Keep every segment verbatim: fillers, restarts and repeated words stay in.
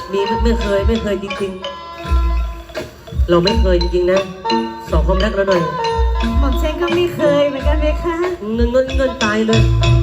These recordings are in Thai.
มีไม่ไม่เคยไม่เคยจริงๆเราไม่เคยจริงๆนะสองความรักเราหน่อยหม่อมฉันก็ไม่เคยเหมือนกันไหมคะเงินเงินเงินตายเลย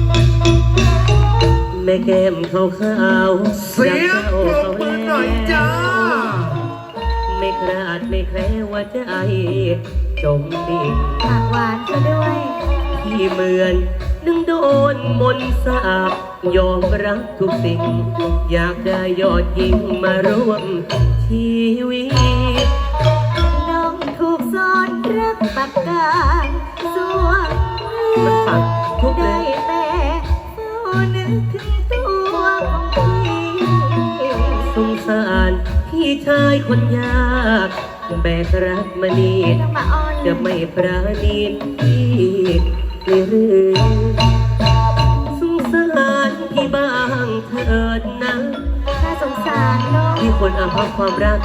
แม่แก้มขาวขาวเสียงปรบมือหน่อยจ้าไม่คลาดไม่แคล้วว่าใจจมดิ่งปากหวานซะด้วยที่เหมือนนึงโดนมนต์สาบยอมรับทุกสิ่งอยากได้ยอดยิงมาร่วมชีวิตน้องถูกสอนรักปากกาส่วนมันปักทุกได้แต่เฝ้านึกถึงตัวของพี่สงสารพี่ชายคนยากแบกรักมานีจะไม่ปราณีพี่หรือสงสารพี่บ้างเถิดนะถ้าสงสารน้องที่คนอาภัพความรัก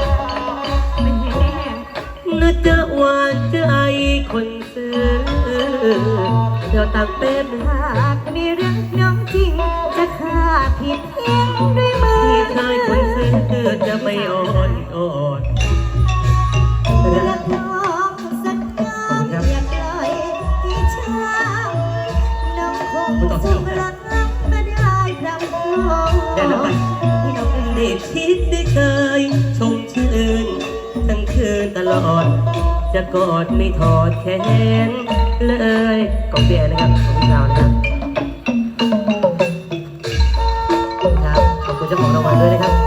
น่าจะหวานใจคนซื้อเดี๋ยวตักเป็นหากมีเรื่องน้องจริงจะฆ่าผิดเพียงด้วยมือพี่ชายคนซื้อจะไม่อ่อนอ่อนรักน้องสักน้องอย่าปล่อยให้ช้ำน้องคงสุขรักน้องไม่ได้พร่ำพร่ำได้คิดได้เคยชมชื่นทั้งคืนตลอดจะกอดไม่ถอดแขนเลยกองเบียร์นะครับขอบคุณครับนะครับครับขอบคุณเจ้าของรางวัลด้วยนะครับ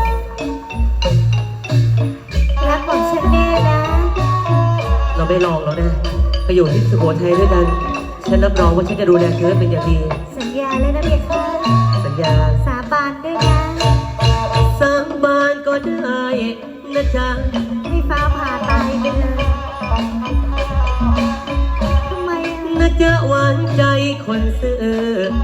รักของฉันแน่นะเราไม่ลองแล้วนะไปอยู่ที่สุโขทัยด้วยกันฉันรับรองว่าฉันจะดูแลเธอเป็นอย่างดีสัญญาเลยนะเบียร์ค่ะสัญญาสาบานด้วยนะสาบานก็ได้นะจ๊ะให้ฟ้าผ่าตายไปเลยทำไมน่าจะหวานใจคนซื้อ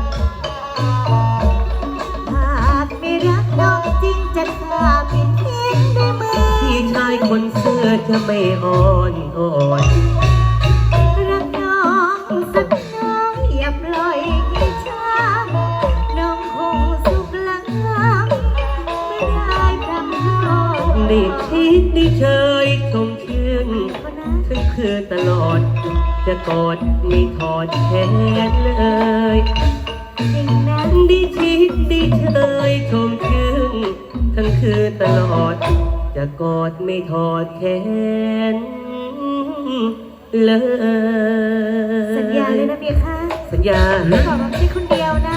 หากไม่รักน้องจริงจะฆ่าผิดเพียงด้วยมือพี่ชายคนซื้อจะไม่อ่อนอ่อนรักน้องสักน้องอย่าปล่อยให้ช้ำน้องคงสุขลังไม่ได้พร่ำพร่ำได้คิดได้เชยชมชื่นทั้งคืนตลอดจะกอดไม่ถอดแขนเลยได้คิดได้เชยชมชื่นทั้งคืนตลอดจะกอดไม่ถอดแขนเลยสัญญาเลยนะเบียร์ค่ะสัญญาขอรับที่คนเดียวนะ